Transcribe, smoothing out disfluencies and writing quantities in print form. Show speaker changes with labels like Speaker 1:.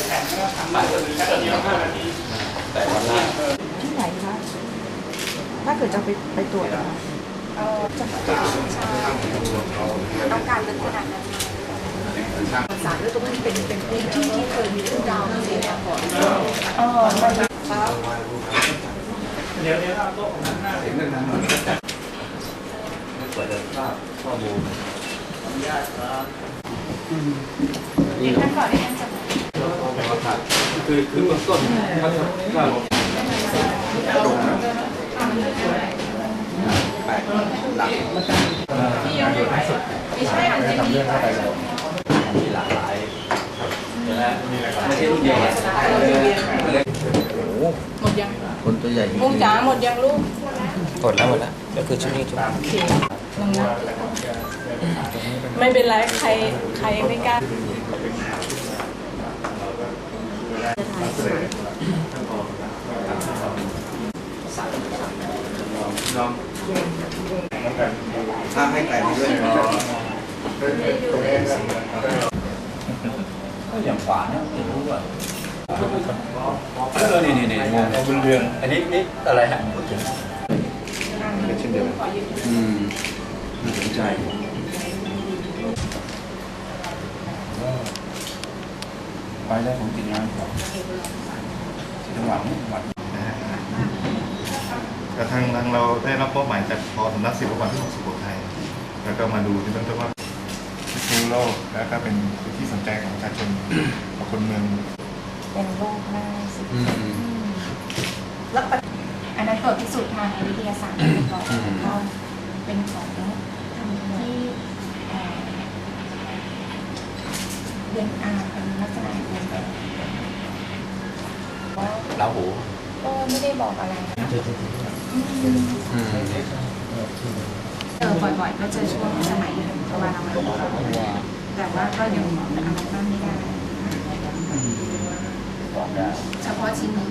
Speaker 1: แต่วันละ
Speaker 2: ที่ไหนคะถ้าเกิดจะไปตรวจอะ
Speaker 3: จะต้องการเป็นขนาดนั้นสารด้วยตรงนี้เป็นพื้นที่ที่เคยมีเรื่องราวเสียมาก่อน
Speaker 1: เดี๋ยวเราโต๊ะของนั้นหน้าเห็นเรื่องนั้นไม่เปิดภาพข้อมูลอนุญาตครับ
Speaker 3: ท่านก่อนที่ท่านจะ
Speaker 1: คือเบื้องต้นครับแปดหลัก
Speaker 3: ไม่ใช่อันนี้
Speaker 1: ทำเรื่องเข้าไปแล้วมีหลากหลายนะไม่ใช่รุ่นเดียว
Speaker 3: หมดยัง
Speaker 1: คนตัวใหญ่
Speaker 3: มุ้งจ๋าหมดยังลูก
Speaker 1: หมดแล้วก็คือชุดนี้ชุด
Speaker 3: โอเคนึงนะไม่เป็นไรใครไม่กล้า
Speaker 1: ถ้าให้ไก่มาด้วยก็อย่างขวาเนี่ยไม่รู้ว่านี่บนเรือนอันนี้อะไรฮะเช่นเดียวน่าสนใจไปได้ผมกินน้ำจังหวะนี้
Speaker 4: แต่ทางเราได้รับมอบหมายจากพอสำนักศิลปากรที่6สุโขทัยแล้วก็มาดูที่ต้นว่าพิษณุโลกแล้วก็เป็นที่สนใจของประชาชนของคนเมือง
Speaker 3: เป็นโรคง่ายสิแล้วอันนั้นตรวจพิสูจน์ทางวิทยาศาสตร์ก่อนก็เป็นของที่เรียนเป็นลักษณะเรียนแบบ
Speaker 1: เราหู
Speaker 3: ก็ไม่ได้บอกอะไรบ่อยๆก็เจอช่วงสมัยประมาณนั้นแต่ว่าก็ยังอะไรบ้างไม่ได้เฉพาะชิ้นนี้